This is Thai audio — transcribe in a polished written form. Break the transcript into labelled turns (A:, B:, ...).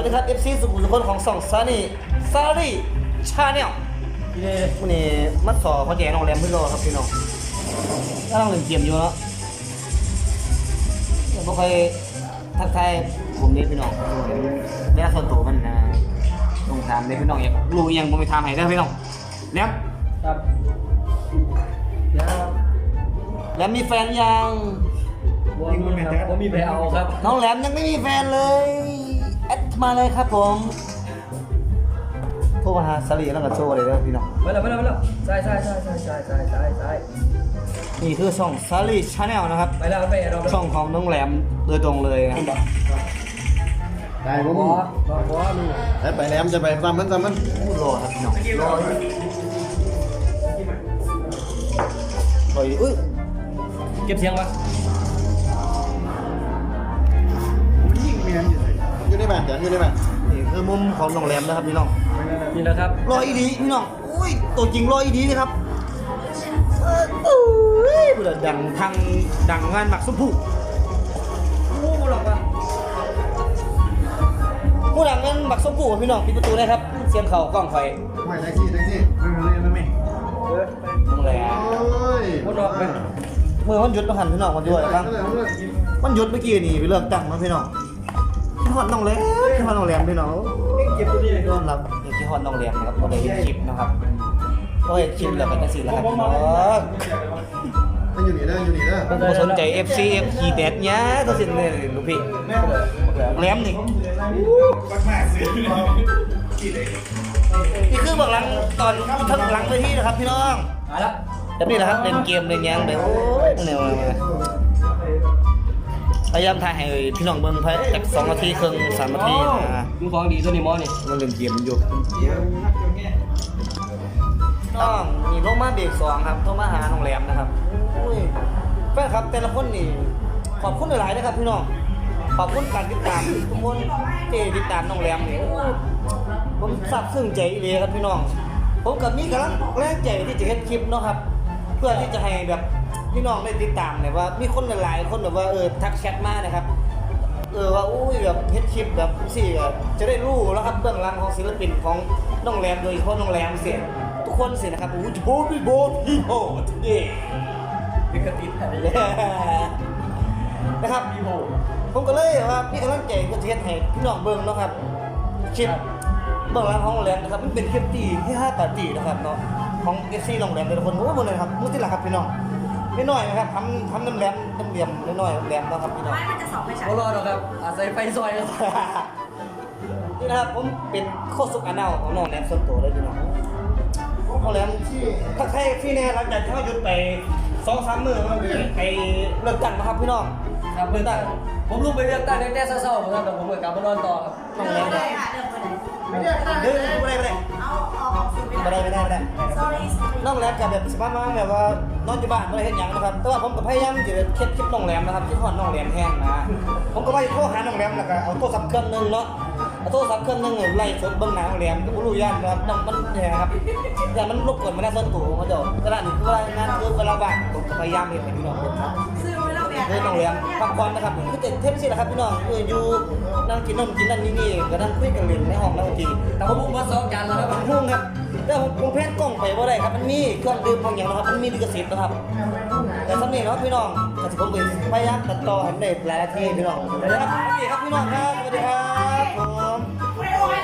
A: วัสดีครับ FC สุขุมสุขนของ2ซารี่ชาแนลวันนี้มาสอพ่อแจ๋น้องแรมพี่โลครับพี่น้องก็ต้องเล่นเกมอยู่เนาะไม่ค่อยทักทายผมนี่พี่น้องเวลาส่วนตัวมันนะต้องถามเลยพี่น้องอย่างรู้ยังผมไปถามให้ได้พี่น้องแรมครับแล้วมีแฟนยัง
B: ผมมีแฟนเอาครับ
A: น้องแหลมยังไม่มีแฟนเลยแอดมาเลยครับผมโทรมาหาสลีแล้วก็โชว์เลยนะพี่น้อง
B: ไปแล้วใช่
A: นี่คือช่องสลีชาแนลนะครับ
B: ไปแล้วไปเรา
A: ช่องของน้องแหลมโดยตรงเลยนะ
C: ได้ผมไปแหลมจะไปซ้ำมัน
A: พูดรอครับพี่น้องรออุ้ย
B: เก็บเสียงวะ
C: อยู่ในบ้านจังอยู่ในบ้าน
A: นี่คือมุมของน้องแหลมนะครับพี่น้อง
B: นี่นะครับ
A: รออีดีพี่น้องอุ้ยตัวจริงรออีดีนะครับเพื่อดังงานหมักสมผูผู้หลังงานหมักสมผูพี่น้องปิดประตูได้ครับเสียงเข่ากล้องไฟ
C: ไม่ได้สิไม่
A: น้องแหลม
B: พูดออกเป็น
A: เมื่อวันหยุดต้องหันพี่น้องมาด้วยครับมันหยุดเมื่อกี้นี่ไปเลือกตั้งมาพี่น้องที่ฮอดน้องแหลมพี่น้อง
B: เก็บตัวนี้
A: ยอมรับอย่างที่ฮอดน้องแหลมนะครับก็ได้เห็นคลิปนะครับก็เห็นคลิปแล้วก็จะสื่อแล้วครับพี่น้อง
C: มันอยู่นี่นะ
A: ผมก็สนใจ FC ขี่แดดเนี้ยตัวสิ่งนี้ลูกพี่แหลมนี่นี่คือเบื้องหลังตอนทั้งหลังเวทีนะครับพี่น้อง
B: มาแล้ว
A: แบบนี้แหละครับเล่นเกมเล่นยังแบบโอ้ยเนี่ยพยายามถ่ายให้พี่น้องเบิ่งจาก2 นาทีครึ่ง3 นาทีนะ
B: มึงฟังดีตัวนี้มอนี่
A: มันเล่นเกมอยู่ต้องมีลงมาเบรก2ครับโทรมาหาน้องแหลมนะครับอุ้ยแฟนครับแต่ละคนนี่ขอบคุณหลายๆนะครับพี่น้องขอบคุณการติดตามทุกคนที่ติดตามน้องแหลมนี่ผมซาบซึ้งใจเลยครับพี่น้องผมกับมีกำลังแรงใจที่จะเฮ็ดคลิปเนาะครับเพื่อที่จะให้แบบพี่น้องได้ติดตามเนี่ยว่ามีคนหลายๆคนแบบว่าทักแชทมานะครับว่าอุ้ยแบบเฮ็ดคลิปแบบสิจะได้รู้แล้วครับเบื้องหลังของศิลปินของน้องแรมโดยเฉพาะน้องแรมเสียทุกคนสินะครับโอ้โหพี่โบพี่โหดนี่
B: เป็นกระติดอะไร
A: นะครับพี่โหผมก็เลยว่าพี่กำลังใจก็จะเฮ็ดให้พี่น้องเบิ่งเนาะครับคลิปเบื้องหลังของน้องแรมนะครับมันเป็นคลิปตีที่5 ปาร์ตี้นะครับเนาะของ FC น้องแรมแต่ละคนโอ้โหเลยครับมุติละครับพี่น้องไม่น้อยนะครับทำน้ำแหลมน้ำเหลี่ยมน้อยๆน้ำแหลมนะครับพี่น้อง
D: มันจะสอบไม่ใช่
B: รอดครับอาศัยไฟซอยครับ
A: นี่นะครับผมเป็นโคสุกอาเนาของน้องแหลมส่วนตัวเลยพี่น้องน้องแหลมถ้าใครที่แน่หลังจากที่เขาหยุดไป2-3 มื้อไปเลิกกันนะครับพี่น้อง
B: ครับเลือกตั้งผมลุกไปเลือกตั้งตั้งแต่เช้าๆครับแต่ผมกลับมานอนต่อครับ
A: น้องแหลม
D: เลยค่ะ
A: ไม่ได้
D: เอาออกสื่อไม่ได้
A: น้องแหลมกับแบบสบายมากแบบว่านอนอยู่บ้านไม่ได้เห็นอย่างนะครับแต่ว่าผมก็พยายามจะคลิปน้องแหลมนะครับที่ทอดน้องแหลมแห้งนะผมก็ไปโทรหาน้องแหลมแล้วก็เอาโทรศัพท์เครื่องนึงเนาะเอาโทรศัพท์เครื่องนึงไล่สดเบิ้งหน้าน้องแหลมก็ไม่รู้ย่านนะครับน้องมันเนี่ยครับย่านมันรบกวนมันน่าสนตัวเขาเจ้าเวลาหนึ่งคือเวลางานคือเวลาบ้านผมก็พยายามให้พี่น้องครับคือน้องแหลมพักผ่อนนะครับคือเทปสิแหละครับพี่น้องอยู่นั่งกินนั่นนี่ก็นั่งคุยกันเล่นในห้องนั่งกิน
B: แต่ผมมาซ้อมกันแล้วครับ
A: พุ่งครับแต่ผมแพทย์กล้องไปว่าได้ครับมันมีเครื่องดื่มบางอย่างนะครับมันมีลิขสิทธิ์นะครับแต่สำเนียงครับพี่น้องแต่ผมพยายามตัดต่อให้ได้หลายนาทีพี่น้องนะครับโอเคครับพี่น้องครับ